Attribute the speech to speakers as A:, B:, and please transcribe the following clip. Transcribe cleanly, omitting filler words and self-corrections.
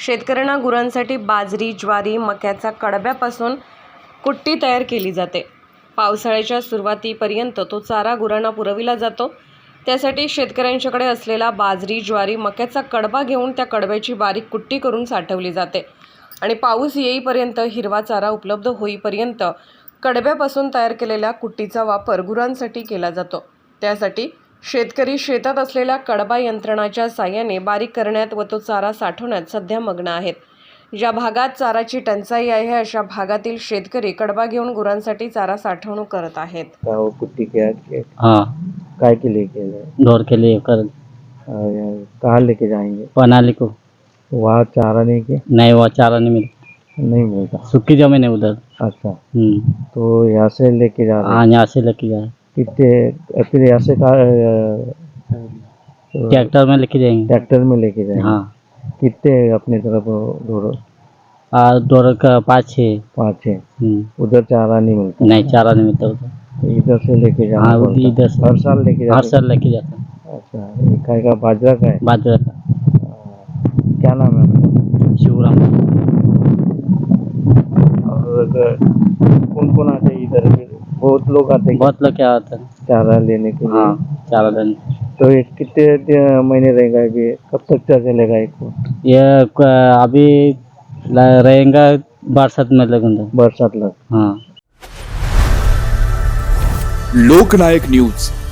A: शेतकऱ्यांना गुरांसाठी बाजरी, ज्वारी, मक्याचा कडब्यापासून कुट्टी तयार केली जाते। पावसाळ्याच्या सुरुवातीपर्यंत तो चारा गुरांना पुरविला जातो। त्यासाठी शेतकऱ्यांच्याकडे असलेला बाजरी, ज्वारी, मक्याचा कडबा घेऊन त्या कडब्याची बारीक कुट्टी करून साठवली जाते आणि पाऊस येईपर्यंत हिरवा चारा उपलब्ध होईपर्यंत कडब्यापासून तयार केलेल्या कुट्टीचा वापर गुरांसाठी केला जातो। त्यासाठी शेतकरी शेतात असलेल्या कडबा यंत्रणाच्या साहाय्याने बारीक करण्यात व तो चारा साठवण्यात सध्या मग्न आहेत। ज्या भागात चाराची टंचाई आहे अशा भागातील शेतकरी कडबा घेऊन गुरांसाठी चारा साठवणूक करत आहेत।
B: कुट्टी क्या
C: हाँ
B: काय के लिए के
C: दौड़ के लिए कर
B: कहाँ लेके जाएंगे?
C: पनाली को
B: वहाँ चारा नहीं के
C: नहीं, वो चारा नहीं मिलता,
B: नहीं मिलता।
C: सूखी जमीन है उधर।
B: अच्छा, तो यहाँ से लेके जा रहे
C: हाँ, यहाँ से लेके जाए,
B: कितने फिर यहाँ से
C: ट्रैक्टर में लेके जाएंगे।
B: ट्रैक्टर में लेके जाएंगे।
C: हाँ,
B: कितने अपने तरफ दौड़ो?
C: दौड़ का 5-6।
B: 5-6। उधर चारा नहीं मिलता?
C: नहीं, चारा नहीं मिलता उधर।
B: तो इधर से लेके जाना
C: हाँ,
B: पड़ता?
C: इधर से
B: हर साल लेके
C: हर
B: जाते?
C: साल लेके जाता है।
B: अच्छा, ये काय का बाजरा का है?
C: बाजरा का।
B: क्या नाम है आपका?
C: शिवराम।
B: और कौन कौन आते हैं इधर? बहुत लोग आते हैं
C: बहुत लोग क्या होता है।
B: चारा लेने के लिए?
C: हाँ, चारा लेने।
B: तो ये कितने महीने रहेगा ये? कब तक चलेगा इसको?
C: ये अभी रहेगा बरसात में लगेगा।
B: बरसात लग।
C: हाँ।
D: लोकनायक न्यूज